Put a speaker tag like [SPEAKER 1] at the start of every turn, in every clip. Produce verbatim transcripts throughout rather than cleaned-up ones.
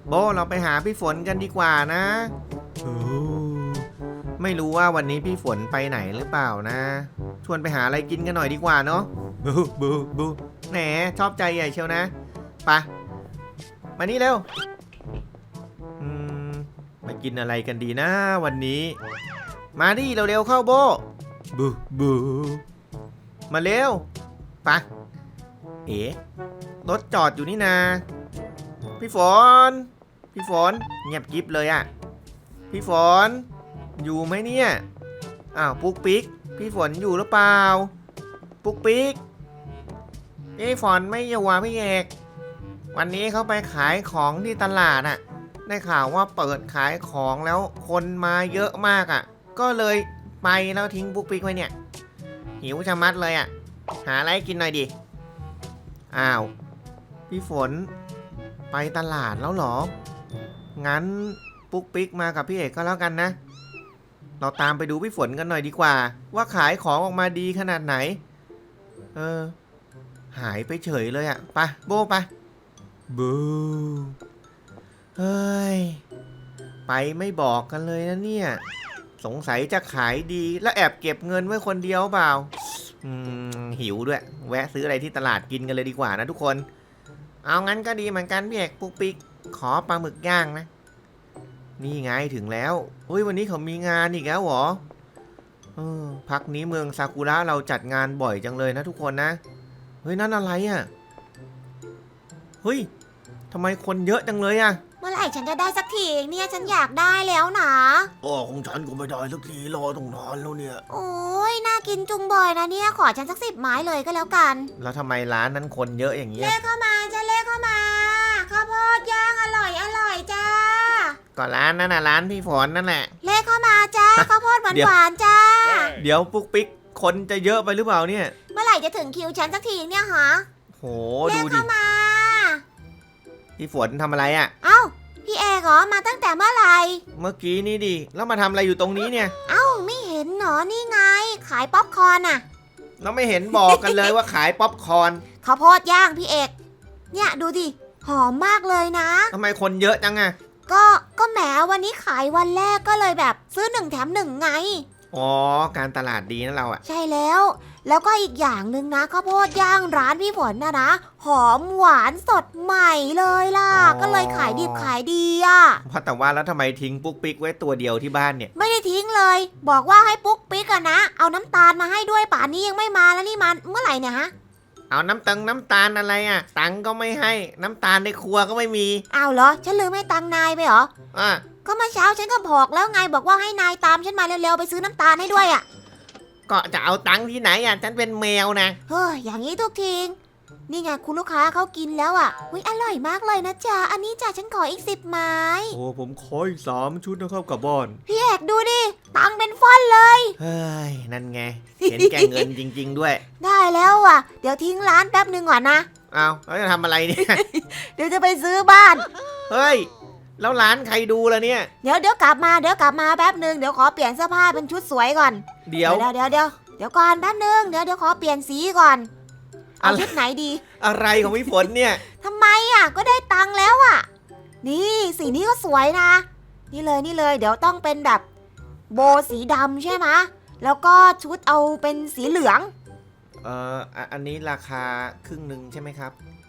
[SPEAKER 1] โบเราไปหาพี่ฝนกันดีกว่านะโอ้ไม่รู้ว่าวันนี้พี่ฝนไปไหนหรือเปล่านะชวนไปหาอะไรกินกันหน่อยดีกว่าเนาะบูบูบูแหนชอบใจใหญ่เชียวนะไปมานี่เร็วอืมไปกินอะไรกันดีนะวันนี้มาดิเร็วๆเข้าโบบูบูมาเร็วไปเอ๋รถจอดอยู่นี่นาพี่ฝนพี่ฝนเงียบกิ๊บเลยอะพี่ฝนอยู่ไหมเนี่ยอ้าวปุ๊กปิ๊กพี่ฝนอยู่หรือเปล่าปุ๊กปิ๊กพี่ฝนไม่อยู่ว่ะพี่เอกวันนี้เขาไปขายของที่ตลาดอะได้ข่าวว่าเปิดขายของแล้วคนมาเยอะมากอะก็เลยไปแล้วทิ้งปุ๊กปิ๊กไว้เนี่ยหิวชะมัดเลยอะหาอะไรกินหน่อยดิอ้าวพี่ฝนไปตลาดแล้วเหรองั้นปุ๊กปิ๊กมากับพี่เอกก็แล้วกันนะเราตามไปดูพี่ฝนกันหน่อยดีกว่าว่าขายของออกมาดีขนาดไหนเออหายไปเฉยเลยอะไปโบไปบูเฮ้ยไปไม่บอกกันเลยนะเนี่ยสงสัยจะขายดีแล้วแอบเก็บเงินไว้คนเดียวเปล่าอืมหิวด้วยแวะซื้ออะไรที่ตลาดกินกันเลยดีกว่านะทุกคนเอางั้นก็ดีเหมือนกันพี่เอกปุ๊กปิ๊กขอปลาหมึกย่างนะนี่ไงถึงแล้วเฮ้ยวันนี้เขามีงานอีกแล้วเหรอเออพักนี้เมืองซากุระเราจัดงานบ่อยจังเลยนะทุกคนนะเฮ้ยนั่นอะไรอ่ะเฮ้ยทำไมคนเยอะจังเลยอ่ะ
[SPEAKER 2] เมื่อไหร่ฉันจะได้สักทีเนี่ยฉันอยากได้แล้วนะ
[SPEAKER 3] อ๋อของฉันก็ไม่ได้สักทีรอต้องนานแล้วเนี่ย
[SPEAKER 2] โอ้ยน่ากินจุงบอยนะเนี่ยขอฉันสักสิบไม้เลยก็แล้วกัน
[SPEAKER 1] แล้วทำไมร้านนั้นคนเยอะอย่างเงี้ย
[SPEAKER 2] เลขเข้ามาจ้าเลขเข้ามาข้าวโพดย่างอร่อยอร่อยจ้า
[SPEAKER 1] ก็ร้านนั้นน่ะร้านพี่ฝนนั่นแหละ
[SPEAKER 2] เลขเข้ามาจ้าข้าวโพดหวานหวานจ้า
[SPEAKER 1] เดี๋ยวปุ๊กปิ๊กคนจะเยอะไปหรือเปล่าเนี่ย
[SPEAKER 2] เมื่อไหร่จะถึงคิวฉันสักทีเนี่ยฮะ
[SPEAKER 1] โหดูดิ
[SPEAKER 2] เลขเข้ามา
[SPEAKER 1] พี่ฝนทำอะไรอ่ะ
[SPEAKER 2] เอ้าพี่เอกเหรอมาตั้งแต่เมื่อไหร่
[SPEAKER 1] เมื่อกี้นี่ดิแล้วมาทำอะไรอยู่ตรงนี้เนี่ย
[SPEAKER 2] เอ้าไม่เห็นหนอนี่ไงขายป๊อปคอร์นอะ
[SPEAKER 1] แล้วไม่เห็นบอกกันเลยว่าขายป๊อปคอร์น
[SPEAKER 2] ข้าวโพดย่างพี่เอกเนี่ยดูดิหอมมากเลยนะ
[SPEAKER 1] ทำไมคนเยอะจังอะ
[SPEAKER 2] ก็ก็แหมวันนี้ขายวันแรกก็เลยแบบซื้อหนึ่งแถมหนึ่งไง
[SPEAKER 1] อ๋อการตลาดดีนะเราอะ
[SPEAKER 2] ใช่แล้วแล้วก็อีกอย่างหนึ่งนะข้าวโพดย่างร้านพี่ฝนนะนะหอมหวานสดใหม่เลยล่ะก็เลยขายดิบขายดีอ่ะ
[SPEAKER 1] เพราะแต่ว่าแล้วทำไมทิ้งปุ๊กปิ๊กไว้ตัวเดียวที่บ้านเนี่ย
[SPEAKER 2] ไม่ได้ทิ้งเลยบอกว่าให้ปุ๊กปิ๊กอะนะเอาน้ำตาลมาให้ด้วยป่านนี้ยังไม่มาแล้วนี่มันเมื่อไหร่เนี่ยฮะ
[SPEAKER 1] เอาน้ำตังน้ำตาลอะไรอะตังก็ไม่ให้น้ำตาลในครัวก็ไม่มี
[SPEAKER 2] อ้าวเหรอฉันลืมให้ตังนายไปเหรอ
[SPEAKER 1] อ่ะ
[SPEAKER 2] ก็เมื่อเช้าฉันก็บอกแล้วไงบอกว่าให้นายตามฉันมาเร็วๆไปซื้อน้ำตาลให้ด้วยอะ
[SPEAKER 1] ก็จะเอาตังค์ที่ไหนอ่ะฉันเป็นแมวนะ
[SPEAKER 2] เฮ้ยอย่างนี้ทุกทีนี่ไงคุณลูกค้าเขากินแล้วอ่ะอุ๊ยอร่อยมากเลยนะจ๊ะอันนี้จ้ะฉันขออีกสิบไม้
[SPEAKER 1] โอ้ผมขออีกสามชุดนะครับกับบอน
[SPEAKER 2] พี่เอกดูดิตังเป็นฟ่อนเลย
[SPEAKER 1] เฮ้ยนั่นไงเห็นแก่เงินจริงๆด้วย
[SPEAKER 2] ได้แล้วอ่ะเดี๋ยวทิ้งร้านแป๊บหนึ่งก่อนนะ
[SPEAKER 1] เอาแล้วจะทำอะไรเนี่ย
[SPEAKER 2] เดี๋ยวจะไปซื้อบ้าน
[SPEAKER 1] เฮ้ยแล้วร้านใครดูล่ะเนี่ย
[SPEAKER 2] เดี๋ยวเดี๋ยวกลับมาเดี๋ยวกลับมาแป๊บหนึ่งเดี๋ยวขอเปลี่ยนเสื้อผ้าเป็นชุดสวยก่อน
[SPEAKER 1] เดี๋ยว
[SPEAKER 2] เดี๋ยวเดี๋ยวเดี๋ยวเดี๋ยวก่อนแป๊บหนึ่งเดี๋ยวเดี๋ยวขอเปลี่ยนสีก่อนเอาชุดไหนดี
[SPEAKER 1] อะไรของพี่ฝนเนี่ย
[SPEAKER 2] ทำไมอ่ะก็ได้ตังค์แล้วอ่ะนี่สีนี้ก็สวยนะนี่เลยนี่เลยเดี๋ยวต้องเป็นแบบโบสีดำใช่ไหมแล้วก็ชุดเอาเป็นสีเหลือง
[SPEAKER 1] เอ่ออันนี้ราคาครึ่งหนึ่งใช่ไหมครับ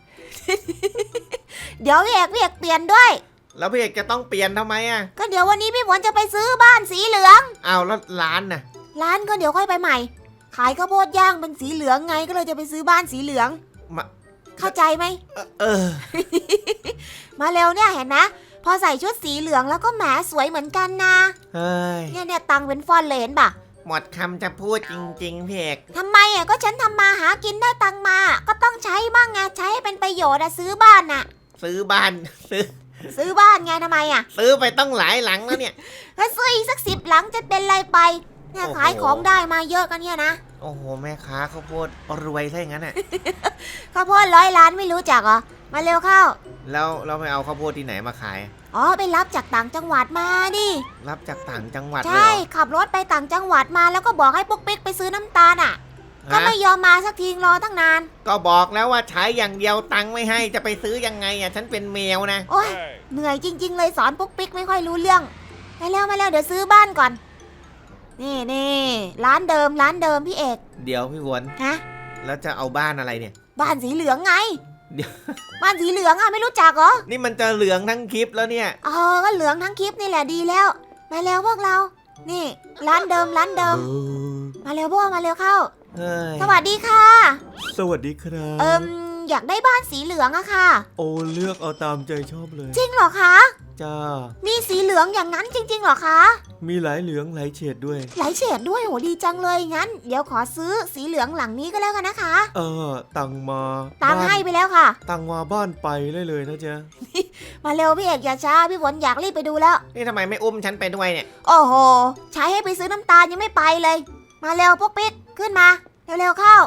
[SPEAKER 2] เดี๋ยวพี่เอกพี่เอกเปลี่ยนด้วย
[SPEAKER 1] แล้วพี่เอกจะต้องเปลี่ยนทำไมอ่ะ
[SPEAKER 2] ก็เดี๋ยววันนี้พี่ฝนจะไปซื้อบ้านสีเหลือง
[SPEAKER 1] อ้าวแล้วร้านน่ะ
[SPEAKER 2] ร้านก็เดี๋ยวค่อยไปใหม่ขายข้าวโพดย่างเป็นสีเหลืองไงก็เลยจะไปซื้อบ้านสีเหลือง
[SPEAKER 1] มา
[SPEAKER 2] เข้าใจไหม
[SPEAKER 1] เออ เออ
[SPEAKER 2] มาเร็วเนี่ยเห็นนะพอใส่ชุดสีเหลืองแล้วก็แหมสวยเหมือนกันนะ
[SPEAKER 1] เฮ้ย
[SPEAKER 2] เนี่ยเนี่ยตังเป็นฟอนเลนป่ะ
[SPEAKER 1] หมดคำจะพูดจริงๆพี่เอก
[SPEAKER 2] ทำไมอ่ะก็ฉันทำมาหากินได้ตังมาก็ต้องใช้บ้างไงใช้ให้เป็นประโยชน์อะซื้อบ้านน่ะ
[SPEAKER 1] ซื้อบ้านซื้อ
[SPEAKER 2] ซื้อบ้านไงทำไมอ่ะ
[SPEAKER 1] ซื้อไปต้องหลายหลังแล้วเนี่ย
[SPEAKER 2] ถ้าซื้ออีกสักสิบหลังจะเป็นไรไปเนี่ยขายของได้มาเยอะกันเนี่ยนะ
[SPEAKER 1] โอ้โหแม่ค้าข้าวโพดรวยซะอย่างนั้นอ่ะ
[SPEAKER 2] ข้าวโพดร้อยล้านไม่รู้จักเหรอมาเร็วเข้า
[SPEAKER 1] แล้วเราไปเอาข้าวโพดที่ไหนมาขาย
[SPEAKER 2] อ๋อไปรับจากต่างจังหวัดมาดิ
[SPEAKER 1] รับจากต่างจังหวัดเลย
[SPEAKER 2] ใช่ขับรถไปต่างจังหวัดมาแล้วก็บอกให้ปุ๊กปิ๊กไปซื้อน้ำตาลอ่ะก็ไม่ยอมมาสักทีรอตั้งนาน
[SPEAKER 1] ก็บอกแล้วว่าใช้อย่างเดียวตังค์ไม่ให้จะไปซื้อยังไงอ่ะฉันเป็นแมวนะ
[SPEAKER 2] โอ้ยเหนื่อยจริง ๆ เลยสอนปุ๊กปิ๊กไม่ค่อยรู้เรื่องมาแล้วมาแล้วเดี๋ยวซื้อบ้านก่อน นี่นี่ร้านเดิมร้านเดิมพี่เอก
[SPEAKER 1] เดี๋ยวพี่ฝน
[SPEAKER 2] ฮะ
[SPEAKER 1] แล้วจะเอาบ้านอะไรเนี่ย
[SPEAKER 2] บ้านสีเหลืองไง
[SPEAKER 1] เดี๋ยว
[SPEAKER 2] บ้านสีเหลืองอ่ะไม่รู้จักเหรอ
[SPEAKER 1] นี่มันจะเหลืองทั้งคลิปแล้วเนี่ย
[SPEAKER 2] เออก็เหลืองทั้งคลิปนี่แหละดีแล้วมาแล้วพวกเรา นี่ร้านเดิมร้านเดิม มาเร็วพวกมาเร็วเข้า
[SPEAKER 1] เฮ้ย
[SPEAKER 2] สวัสดีค่ะ
[SPEAKER 3] สวัสดีครับ
[SPEAKER 2] เอิมอยากได้บ้านสีเหลืองอะค่ะ
[SPEAKER 3] โอ้เลือกเอาตามใจชอบเลย
[SPEAKER 2] จริงเหรอคะ
[SPEAKER 3] จ้า
[SPEAKER 2] มีสีเหลืองอย่างนั้นจริงๆเหรอคะ
[SPEAKER 3] มีหลายเหลืองหลายเฉดด้วย
[SPEAKER 2] หลายเฉดด้วยโหดีจังเลยงั้น เดี๋ยวขอซื้อสีเหลืองหลังนี้ก็แล้วกันนะคะ
[SPEAKER 3] เออตังมา
[SPEAKER 2] ตังค์
[SPEAKER 3] บ้าน
[SPEAKER 2] ให้ไปแล้วค่ะ
[SPEAKER 3] ตังมาบ้านไปได้เลยนะจ๊ะ
[SPEAKER 2] มาเร็วพี่เอกอย่าช้าพี่ฝนอยากรีบไปดูแล้ว
[SPEAKER 1] นี่ทำไมไม่อุ้มฉันไปด้วยเนี่ย
[SPEAKER 2] โอ้โหใช้ให้ไปซื้อน้ำตาลยังไม่ไปเลย มาเร็วพวกปิ๊กขึ้นมาเร็วๆเข้า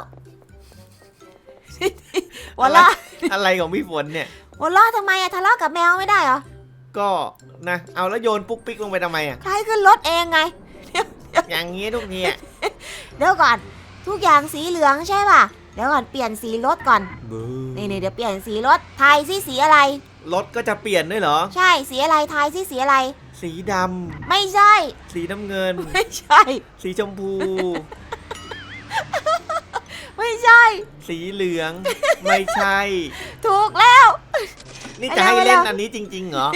[SPEAKER 2] หัวเราะ
[SPEAKER 1] อะไรของพี่ฝนเนี่ย
[SPEAKER 2] หัวเราะทำไมอะทะเลาะกับแมวไม่ได้เหรอ
[SPEAKER 1] ก็นะเอาแล้วโยนปุ๊กปิ๊กลงไปทำไมอ่ะ
[SPEAKER 2] ใครขึ้นรถเองไง
[SPEAKER 1] อย่างงี้ทุกทีอ่ะ
[SPEAKER 2] เดี๋ยวก่อน ทุกอย่างสีเหลืองใช่ป่ะ เดี๋ยวก่อนเปลี่ยนสีรถก่อน
[SPEAKER 3] เบอร์
[SPEAKER 2] นี่นี่เดี๋ยวเปลี่ยนสีรถทายสิสีอะไร
[SPEAKER 1] รถก็จะเปลี่ยนด้วยเหรอ
[SPEAKER 2] ใช่สีอะไรทายสิสีอะไร
[SPEAKER 1] สีด
[SPEAKER 2] ไม่ใช่
[SPEAKER 1] ำสีน้ำเงิน
[SPEAKER 2] ไม่ใช่
[SPEAKER 1] สีชมพู
[SPEAKER 2] ไม่ใช่
[SPEAKER 1] สีเหลือง ไม่ใช่
[SPEAKER 2] ถูกแล้ว
[SPEAKER 1] นี่จะให้
[SPEAKER 2] ไปแล้ว
[SPEAKER 1] เล่นอันนี้จริงๆเหรอ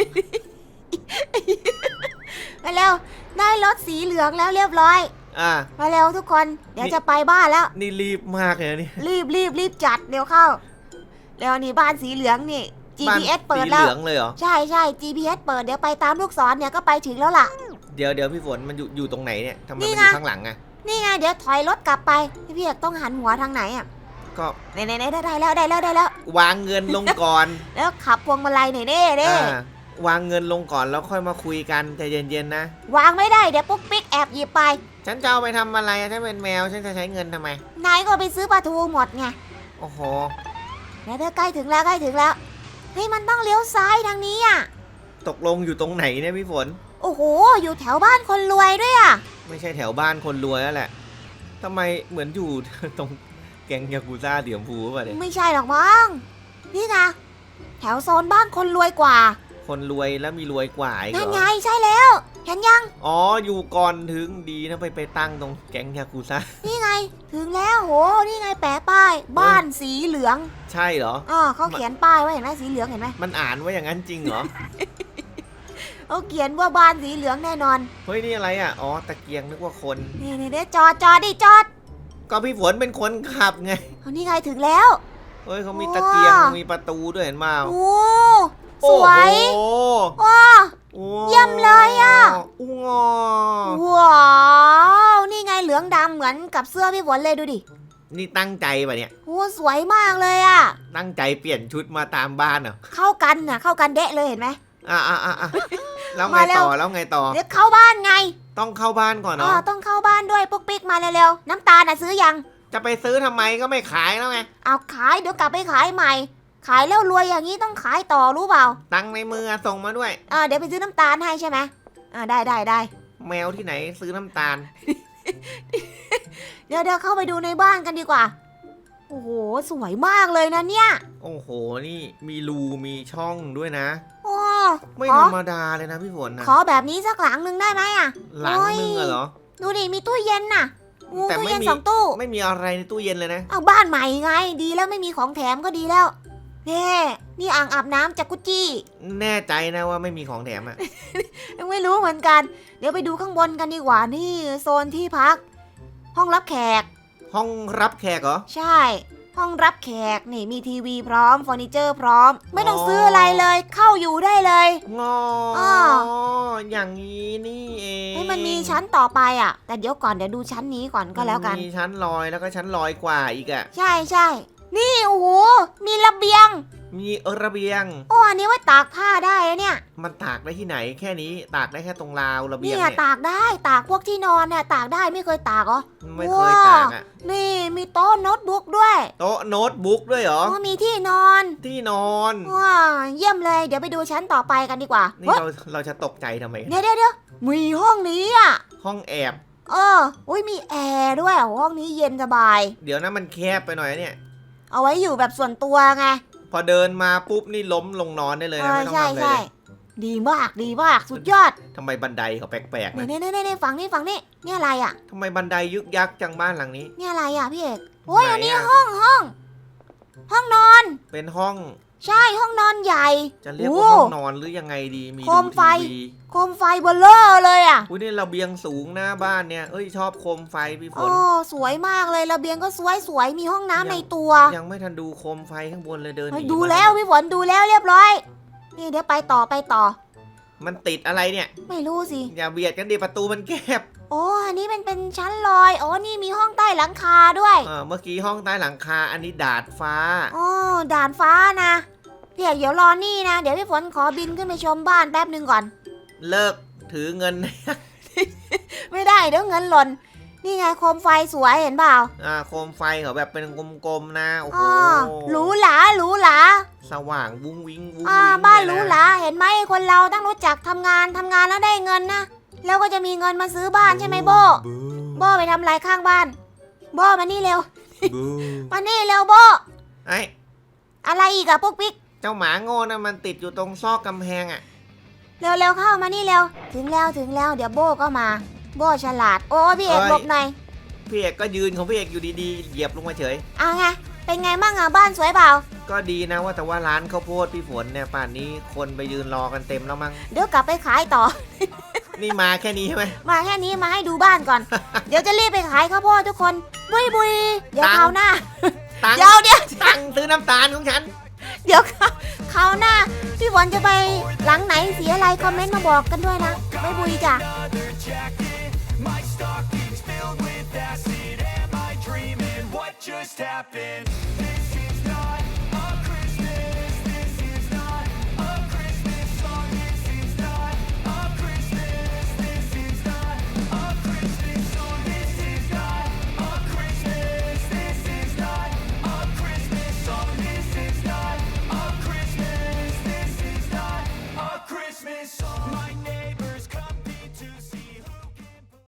[SPEAKER 2] มาเร็วได้รถสีเหลืองแล้วเรียบร้อย
[SPEAKER 1] อ่า
[SPEAKER 2] มาเร็วทุกคนเดี๋ยวจะไปบ้านแล้ว
[SPEAKER 1] นี่รีบมากเลยนะนี่
[SPEAKER 2] รีบรีบรีบจัดเร็วเข้าเร็วนี่บ้านสีเหลืองนี่ จี
[SPEAKER 1] บ้าน
[SPEAKER 2] พี เอส เปิด
[SPEAKER 1] สี
[SPEAKER 2] แล้
[SPEAKER 1] เห
[SPEAKER 2] ว
[SPEAKER 1] ลืองเลยเหรอ
[SPEAKER 2] ใช่ใช่ จี พี เอส เปิดเดี๋ยวไปตามลูกศรเนี่ยก็ไปถึงแล้วล่ะ
[SPEAKER 1] เดี๋ยวเดี๋ยวพี่ฝนมันอยู่อยู่ตรงไหนเนี่ยทำไม
[SPEAKER 2] นี่
[SPEAKER 1] มันอ
[SPEAKER 2] ไง
[SPEAKER 1] ยู่ข้างหลังอ่ะ
[SPEAKER 2] นี่ไงเดี๋ยวถอยรถกลับไปพี่เอกต้องหันหัวทางไหนอ่ะ
[SPEAKER 1] ก็
[SPEAKER 2] ไหนไหนไหนได้แล้วได้แล้วได้แล้ว
[SPEAKER 1] วางเงินลงก่อน
[SPEAKER 2] แล้วขับพวงมาลัยหน่อยเด้เด้
[SPEAKER 1] อ่าวางเงินลงก่อนแล้วค่อยมาคุยกันใจเย็นๆนะ
[SPEAKER 2] วางไม่ได้เดี๋ยวปุ๊กปิ๊กแอบหยิบไป
[SPEAKER 1] ฉันจะเอาไปทำอะไรอะฉันเป็นแมวฉันจะใช้เงินทำไม
[SPEAKER 2] นายก็ไปซื้อปลาทูหมดไง
[SPEAKER 1] โอ้โห
[SPEAKER 2] เดี๋ยวเดี๋ยวใกล้ถึงแล้วใกล้ถึงแล้วเฮ้ยมันต้องเลี้ยวซ้ายทางนี้อ่ะ
[SPEAKER 1] ตกลงอยู่ตรงไหนเนี่ยพี่ฝน
[SPEAKER 2] โอ้โหอยู่แถวบ้านคนรวยด้วยอ่ะ
[SPEAKER 1] ไม่ใช่แถวบ้านคนรวยแล้วแหละทำไมเหมือนอยู่ ตรงแก๊งยากุซ่าเดี่ยมพูป่ะเนี่ย
[SPEAKER 2] ไม่ใช่หรอกมั้งนี่ไงแถวโซนบ้านคนรวยกว่า
[SPEAKER 1] คนรวยแล้วมีรวยกว่าอีกเห
[SPEAKER 2] นั่น
[SPEAKER 1] ร
[SPEAKER 2] ไง
[SPEAKER 1] อ
[SPEAKER 2] ใช่แล้วเห็นยัง
[SPEAKER 1] อ๋ออยู่ก่อนถึงดีนะไปไปตั้งตรงแก๊งยากุซ่า
[SPEAKER 2] นี่ไงถึงแล้วโหนี่ไงแปะป้าย บ้านสีเหลือง
[SPEAKER 1] ใช่เหรอ
[SPEAKER 2] อ๋อเขาเขียนป้ายไว้เห็นไหมสีเหลืองเห็นไหม
[SPEAKER 1] มันอ่านว่าอย่างนั้นจริงเหรอ
[SPEAKER 2] เขาเขียนว่าบ้านสีเหลืองแน่นอน
[SPEAKER 1] เฮ้ยนี่อะไรอ่ะอ๋อตะเกียงนึกว่าคน
[SPEAKER 2] นี่นี่เดี๋ยวจอดจอดดิจอด
[SPEAKER 1] ก็พี่ฝนเป็นคนขับไง
[SPEAKER 2] เอานี่ไงถึงแล้ว
[SPEAKER 1] เฮ้ยเขามีตะเกียงมีประตูด้วยเห็นมา
[SPEAKER 2] โอ้สวย
[SPEAKER 1] โอ้โห
[SPEAKER 2] ว้า
[SPEAKER 1] โอ้
[SPEAKER 2] เยี่ยมเลยอะ
[SPEAKER 1] อู้งอ
[SPEAKER 2] ว้าวนี่ไงเหลืองดำเหมือนกับเสื้อพี่ฝนเลยดูดิ
[SPEAKER 1] นี่ตั้งใจป่ะเนี่ย
[SPEAKER 2] โอ้สวยมากเลยอะ
[SPEAKER 1] ตั้งใจเปลี่ยนชุดมาตามบ้านเหรอ
[SPEAKER 2] เข้ากันน่ะเข้ากันเดะเลยเห็นไหม
[SPEAKER 1] อ่ะอ่ะอ่ะอ่ะแล้วไง
[SPEAKER 2] มาเร็ว
[SPEAKER 1] ต่อแล้วไงต่อ
[SPEAKER 2] เดี๋ยวเข้าบ้านไง
[SPEAKER 1] ต้องเข้าบ้านก่อน
[SPEAKER 2] อ๋อ
[SPEAKER 1] เนาะ
[SPEAKER 2] ต้องเข้าบ้านด้วยปุ๊กปิ๊กมาเร็วๆน้ำตาลน่ะซื้อยัง
[SPEAKER 1] จะไปซื้อทำไมก็ไม่ขายแล้วไง
[SPEAKER 2] เอาขายเดี๋ยวกลับไปขายใหม่ ขายแล้วรวยอย่างนี้ต้องขายต่อรู้เปล่า
[SPEAKER 1] ตังค์ในมือส่งมาด้วย
[SPEAKER 2] อ่าเดี๋ยวไปซื้อน้ำตาลให้ใช่ไหมอ่าได้ได้ได้
[SPEAKER 1] แมวที่ไหนซื้อน้ำตาล
[SPEAKER 2] เดี๋ยวเดี๋ยวเข้าไปดูในบ้านกันดีกว่า โอ้โหสวยมากเลยนะเนี่ย
[SPEAKER 1] โอ้โหนี่มีรูมีช่องด้วยนะ
[SPEAKER 2] โอ้
[SPEAKER 1] ไม่
[SPEAKER 2] ขอ
[SPEAKER 1] ธรรมดาเลยนะพี่ฝนนะ
[SPEAKER 2] ขอแบบนี้สักหลังหนึ่งได้ไหมอ่ะ
[SPEAKER 1] หลังนึงอะเหรอ
[SPEAKER 2] ดูดิมีตู้เย็นน่ะโอ้
[SPEAKER 1] แต่
[SPEAKER 2] ตู้
[SPEAKER 1] ไม่
[SPEAKER 2] เย็น
[SPEAKER 1] มี
[SPEAKER 2] สองตู้
[SPEAKER 1] ไม่มีอะไรในตู้เย็นเลยนะ
[SPEAKER 2] เอาบ้านใหม่ไง ดีแล้วไม่มีของแถมก็ดีแล้วเน่นี่อ่างอาบน้ำจากกุจี้
[SPEAKER 1] แน่ใจนะว่าไม่มีของแถมอะ
[SPEAKER 2] ยังไม่รู้เหมือนกัน เดี๋ยวไปดูข้างบนกันดีกว่านี่โซนที่พัก ห้องรับแขก
[SPEAKER 1] ห้องรับแขกเหรอ
[SPEAKER 2] ใช่ ห้องรับแขกนี่มีทีวีพร้อมเฟอร์นิเจอร์พร้อม ไม่ต้องซื้ออะไรเลย เข้าอยู่ได้เลย
[SPEAKER 1] งอ
[SPEAKER 2] อ้อ
[SPEAKER 1] อย่างนี้นี่เอง
[SPEAKER 2] ให้มันมีชั้นต่อไปอ่ะ แต่เดี๋ยวก่อนเดี๋ยวดูชั้นนี้ก่อนก็แล้วกัน
[SPEAKER 1] มีชั้นลอยแล้วก็ชั้นลอยกว่าอีกอะ
[SPEAKER 2] ใช่ใช่นี่โอ้โหมีระเบียง
[SPEAKER 1] มีระเบียง
[SPEAKER 2] โอ้อันนี้ไว้ตากผ้าได้นะเนี่ย
[SPEAKER 1] มันตากได้ที่ไหนแค่นี้ตากได้แค่ตรงราวระเบียง
[SPEAKER 2] เนี่ย
[SPEAKER 1] เนี่ย
[SPEAKER 2] ตากได้ตากพวกที่นอนเนี่ยตากได้ไม่เคยตากเหรอ
[SPEAKER 1] ไม่เคยตากอะ
[SPEAKER 2] นี่มีโต๊ะโน้ตบุ๊กด้วย
[SPEAKER 1] โต๊ะโน้ตบุ๊กด้วยเหรอ
[SPEAKER 2] อ๋อมีที่นอน
[SPEAKER 1] ที่นอน
[SPEAKER 2] ว้าเยี่ยมเลยเดี๋ยวไปดูชั้นต่อไปกันดีกว่า
[SPEAKER 1] นี่
[SPEAKER 2] เฮ้ย
[SPEAKER 1] เราเราจะตกใจทำไม
[SPEAKER 2] เดี๋ยวเดี๋ยวเดี๋ยวมีห้องนี้อ่ะ
[SPEAKER 1] ห้องแอบ
[SPEAKER 2] เอออุ้ยมีแอร์ด้วยโอ้ห้องนี้เย็นสบาย
[SPEAKER 1] เดี๋ยวนะมันแคบไปหน่อยนะเนี่ย
[SPEAKER 2] เอาไว้อยู่แบบส่วนตัวไง
[SPEAKER 1] พอเดินมาปุ๊บนี่ล้มลงนอนได้เลย
[SPEAKER 2] เอ
[SPEAKER 1] นะ
[SPEAKER 2] อ
[SPEAKER 1] ไม่ต้อง
[SPEAKER 2] ใช่
[SPEAKER 1] ทำอะไร
[SPEAKER 2] ใช่
[SPEAKER 1] เลย
[SPEAKER 2] ดีมากดีมากสุดยอด
[SPEAKER 1] ทำไมบันไดเขาแปลกๆ
[SPEAKER 2] เนี่
[SPEAKER 1] นะ
[SPEAKER 2] ยเนี่ยเนี่ยเนี่ยฝั่งนี้ฝั่งนี้เนี่ยอะไรอ่ะ
[SPEAKER 1] ทำไมบันไดยึกยักจังบ้านหลังนี้
[SPEAKER 2] เนี่ยอะไรอ่ะพี่เอกโอ้ย
[SPEAKER 1] ไหน
[SPEAKER 2] อันนี้
[SPEAKER 1] อะ
[SPEAKER 2] ห้องห้อง ห้องนอน
[SPEAKER 1] เป็นห้อง
[SPEAKER 2] ใช่ห้องนอนใหญ่
[SPEAKER 1] จะเรียก
[SPEAKER 2] โอ้
[SPEAKER 1] ว่าห้องนอนหรือยังไงดีมี
[SPEAKER 2] โคม
[SPEAKER 1] ดู
[SPEAKER 2] ไฟ
[SPEAKER 1] ทีวี
[SPEAKER 2] โคมไฟเบลเลอร์เลยอ่ะ
[SPEAKER 1] อุ้ยนี่ระเบียงสูงหน้าบ้านเนี่ยเอ้ยชอบโคมไฟพี่ฝ
[SPEAKER 2] โอ้
[SPEAKER 1] น
[SPEAKER 2] สวยมากเลยระเบียงก็สวยสวยมีห้องน้ำในตัว
[SPEAKER 1] ยังไม่ทันดูโคมไฟข้างบนเลยเดินห
[SPEAKER 2] เฮ้ย
[SPEAKER 1] นี
[SPEAKER 2] ดู
[SPEAKER 1] มา
[SPEAKER 2] แล้วพี่ฝนดูแล้วเรียบร้อย นี่เดี๋ยวไปต่อไปต่อ
[SPEAKER 1] มันติดอะไรเนี่ย
[SPEAKER 2] ไม่รู้สิ
[SPEAKER 1] อย่าเบียดกันดิประตูมันแคบ
[SPEAKER 2] โอ้อันนี้เป็นเป็นชั้นลอยอ๋อนี่มีห้องใต้หลังคาด้วย
[SPEAKER 1] เออเมื่อกี้ห้องใต้หลังคาอันนี้ดาดฟ้า
[SPEAKER 2] โอ้ด่านฟ้านะพี่เอกเดี๋ยวรอนี่นะ เดี๋ยวพี่ฝนขอบินขึ้นไปชมบ้านแป๊บหนึ่งก่อน
[SPEAKER 1] เลิกถือเงิน
[SPEAKER 2] ไม่ได้เดี๋ยวเงินหล่น นี่ไงโคมไฟสวยเห็นเปล่า
[SPEAKER 1] อ่าโคมไฟเขาแบบเป็นกลมๆนะโอ้โห
[SPEAKER 2] อ๋อหรูหราหรูหรา
[SPEAKER 1] สว่างวุ้งวิ้งวุ้ง
[SPEAKER 2] อ่า
[SPEAKER 1] วิ้ง
[SPEAKER 2] บ้าน
[SPEAKER 1] เลย
[SPEAKER 2] หรู
[SPEAKER 1] นะ
[SPEAKER 2] หราเห็นไหมคนเราต้องรู้จักทำงานทำงานแล้วได้เงินนะแล้วก็จะมีเงินมาซื้อบ้านใช่ไหมโบโบไปทำอะไรข้างบ้านโบมานี่เร็ว
[SPEAKER 1] บู
[SPEAKER 2] มานี่เร็วโบ
[SPEAKER 1] ไอ้
[SPEAKER 2] อะไรอีกอะพวกปิ๊ก
[SPEAKER 1] เจ้าหมาโง่นะมันติดอยู่ตรงซอกกำแพงอ่ะ
[SPEAKER 2] เร็วเร็วเข้ามานี่เร็วถึงแล้วถึงแล้วเดี๋ยวโบก็มา โบฉลาดโอ้พี่เอกหลบหน่อย
[SPEAKER 1] พี่เอกก็ยืนของพี่เอกอยู่ดีๆเหยียบลงมาเฉย
[SPEAKER 2] อ่ะไงเป็นไงบ้างอะบ้านสวยเปล่า
[SPEAKER 1] ก็ดีนะว่าแต่ว่าร้านข้าวโพดพี่ฝนเนี่ยป่านนี้คนไปยืนรอกันเต็มแล้วมั้ง
[SPEAKER 2] เดี๋ยวกลับไปขายต่อ
[SPEAKER 1] นี่มาแค่นี้ใช่ไหม
[SPEAKER 2] มาแค่นี้มาให้ดูบ้านก่อน เดี๋ยวจะรีบไปขายข้าวโพดทุกคนบุยบุยเดี๋ยว
[SPEAKER 1] ตังค์
[SPEAKER 2] คราวหน้า
[SPEAKER 1] ตังค์
[SPEAKER 2] เดี๋ยวเดี๋ยว
[SPEAKER 1] ตังค์ซื้อน้ำตาลของฉัน
[SPEAKER 2] เดี๋ยวคราวหน้าพี่ฝนจะไปหลังไหนสีอะไรคอมเมนต์มาบอกกันด้วยนะไม่บุยจ้ะ
[SPEAKER 4] My stockings filled with acid. Am I dreaming? What just happened?